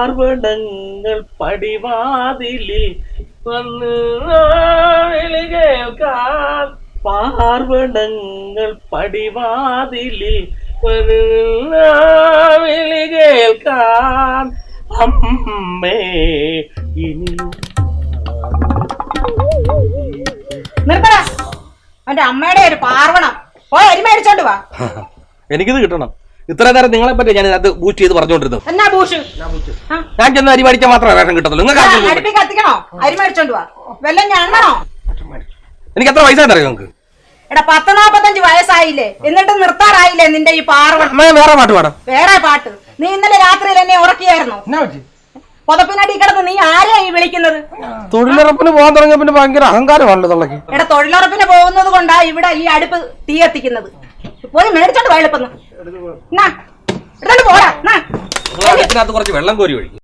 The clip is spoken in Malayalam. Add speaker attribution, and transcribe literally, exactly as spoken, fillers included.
Speaker 1: പാർവണങ്ങൾ പടിവാതിലിൽ വന്ന് വിളി കേൾക്കാൻ പാർവണങ്ങൾ പടിവാതിലിൽ വന്ന് വിളി കേൾക്കാൻ അമ്മേ ഇനിയും
Speaker 2: നിർത്തടാ അവന്റെ അമ്മയുടെ ഒരു പാർവണം പോയി അരി മേടിച്ചോണ്ട് വാ.
Speaker 1: എനിക്കിത് കിട്ടണം. ഇത്ര നേരം നിങ്ങളെ പറ്റി ഞാൻ അത് ബൂസ്റ്റ് ചെയ്ത് പറഞ്ഞോണ്ടിരുന്നു.
Speaker 2: എന്നാ ബൂഷ്?
Speaker 1: ഞാൻ ചെന്ന് അരി മേടിക്കാൻ മാത്രമേ വേഷം കിട്ടത്തുള്ളൂ.
Speaker 2: അടുപ്പി കത്തിക്കണോ? അരി മേടിച്ചോണ്ട് വാ. വല്ലതും ഞാണോ?
Speaker 1: എനിക്ക് എത്ര വയസ്സായി അറിയാം നിങ്ങൾക്ക്?
Speaker 2: എടാ പത്ത് നാപ്പത്തഞ്ച് വയസ്സായില്ലേ, എന്നിട്ട് നിർത്താറായില്ലേ നിന്റെ ഈ പാർവണം?
Speaker 1: വേറെ പാട്ട് പാടാം.
Speaker 2: വേറെ പാട്ട്? നീ ഇന്നലെ രാത്രിയിൽ എന്നെ ഉറക്കിയായിരുന്നു. പുതപ്പിനടി കിടന്ന് നീ ആരെയാ ഈ വിളിക്കുന്നത്?
Speaker 1: തൊഴിലുറപ്പിന് പോകാൻ തുടങ്ങിയ പിന്നെ ഭയങ്കര അഹങ്കാരമാണല്ലോ തൊള്ളക്ക്.
Speaker 2: എടാ തൊഴിലുറപ്പിന് പോകുന്നത് കൊണ്ടാ ഇവിടെ ഈ അടുപ്പ് തീ കത്തിക്കുന്നത്. പോയി മേടിച്ചോണ്ട് പോയപ്പോ എടുത്തോണ്ട് പോടാ.
Speaker 1: കുറച്ച് വെള്ളം കോരി ഒഴിക്കും.